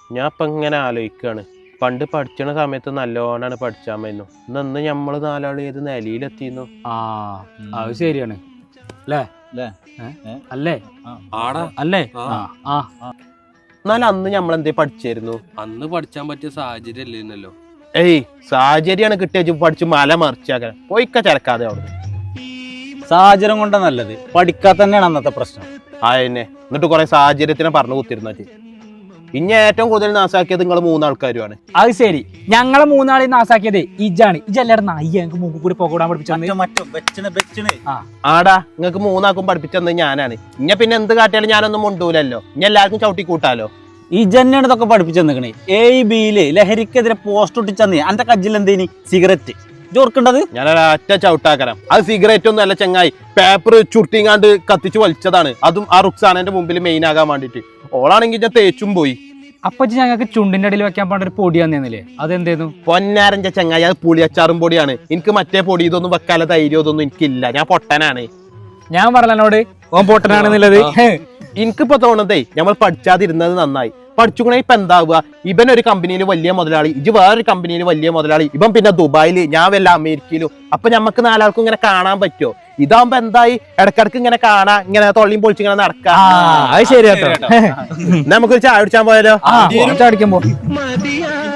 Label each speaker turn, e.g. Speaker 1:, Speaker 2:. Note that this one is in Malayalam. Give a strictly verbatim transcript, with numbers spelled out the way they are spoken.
Speaker 1: ഞാൻ ഇപ്പൊ ഇങ്ങനെ ആലോചിക്കാണ്, പണ്ട് പഠിച്ചണ സമയത്ത് നല്ലോണാണ് പഠിച്ചാൻ പറ്റുന്നു. ഇന്ന് നമ്മള് നാലാള് ഏത് നിലയിലെത്തിന്നു.
Speaker 2: ആ അത് ശരിയാണ് അല്ലേ അല്ലേ അല്ലേ
Speaker 1: എന്നാലും അന്ന് നമ്മളെന്തേ പഠിച്ചായിരുന്നു?
Speaker 3: അന്ന് പഠിച്ചാൻ പറ്റിയ സാഹചര്യം അല്ലേന്നല്ലോ.
Speaker 1: ഏയ് സാഹചര്യാണ് കിട്ടിയ പഠിച്ച് മല മറിച്ചാക്കാൻ പോയിക്ക ചരക്കാതെ അവിടെ.
Speaker 4: സാഹചര്യം കൊണ്ടാ നല്ലത്, പഠിക്കാത്ത തന്നെയാണ് അന്നത്തെ പ്രശ്നം.
Speaker 1: ആയെന്നെ എന്നിട്ട് കുറെ സാഹചര്യത്തിനെ പറഞ്ഞു കുത്തിരുന്നത്. ഇനി ഏറ്റവും കൂടുതൽ നാസാക്കിയത് നിങ്ങൾ മൂന്നാൾക്കാരുമാണ്.
Speaker 2: അത് ശരി, ഞങ്ങളെ മൂന്നാളെ നാസാക്കിയത് ഇജാണ്. ഇജല്ലാടെ നായി ഞങ്ങൾക്ക് മുമ്പ് കൂടി പോകാൻ പഠിപ്പിച്ചു.
Speaker 1: ആടാ, നിങ്ങൾക്ക് മൂന്നാക്കും പഠിപ്പിച്ചത് ഞാനാണ്. ഇഞ്ഞ പിന്നെ എന്ത് കാട്ടിയാലും ഞാനൊന്നും മുണ്ടൂലല്ലോ. ഇനി എല്ലാവർക്കും ചവിട്ടി കൂട്ടാലോ.
Speaker 4: ഈ ജന്നാണ് ഇതൊക്കെ പഠിപ്പിച്ചു തന്നിക്കണേ. എ ബിയില് ലഹരിക്കെതിരെ പോസ്റ്റ് ഒട്ടിച്ചന്ന് അന്റെ കജ്ജിൽ എന്തേനി സിഗരറ്റ് ചോർക്കേണ്ടത്.
Speaker 1: ഞാൻ ഒരൊറ്റ ചവിട്ടാക്കരം. അത് സിഗരറ്റ് ഒന്നും അല്ല ചങ്ങായി, പേപ്പർ ചുരുട്ടിങ്ങാണ്ട് കത്തിച്ച് വലിച്ചതാണ്. അതും ആ റുക്സാനന്റെ മുമ്പിൽ മെയിൻ ആകാൻ വേണ്ടിട്ട്. ഓളാണെങ്കിൽ ഞാൻ തേച്ചും പോയി.
Speaker 2: അപ്പൊ ഞങ്ങൾക്ക് ചുണ്ടിന്റെ അടിയിൽ വെക്കാൻ പാണ്ട ഒരു പൊടി തന്നേന്നില്ലേ, അതെന്തേന്നു?
Speaker 1: പൊന്നാരഞ്ച ചങ്ങായി, അത് പുളിയച്ചാറും പൊടിയാണ്. എനിക്ക് മറ്റേ പൊടി ഇതൊന്നും വെക്കാല ധൈര്യം ഇതൊന്നും എനിക്കില്ല. ഞാൻ പൊട്ടനാണ്.
Speaker 2: ഞാൻ പറഞ്ഞോട് ഓൻ പൊട്ടനാണെന്നുള്ളത്.
Speaker 1: എനിക്കിപ്പോ തോന്നുന്നതേ നമ്മൾ പഠിച്ചാതിരുന്നത് നന്നായി. പഠിച്ചുകൂടെ ഇപ്പൊ എന്താവുക? ഇവൻ ഒരു കമ്പനിയിൽ വലിയ മുതലാളി, ഇജ് വേറൊരു കമ്പനിയിൽ വലിയ മുതലാളി, ഇവൻ പിന്നെ ദുബായില്, ഞാൻ വല്ല അമേരിക്കയിലും. അപ്പൊ ഞമ്മക്ക് നാലാൾക്കും ഇങ്ങനെ കാണാൻ പറ്റുമോ? ഇതാവുമ്പോ എന്തായി, ഇടക്കിടക്ക് ഇങ്ങനെ കാണാ, ഇങ്ങനെ തൊള്ളിയും പൊളിച്ചിങ്ങനെ നടക്കാം.
Speaker 2: അത് ശരി കേട്ടോ.
Speaker 1: നമുക്കൊരു ചായ കുടിച്ചാൻ പോയാലോ?
Speaker 2: ചായ കുടിക്കാൻ പോ.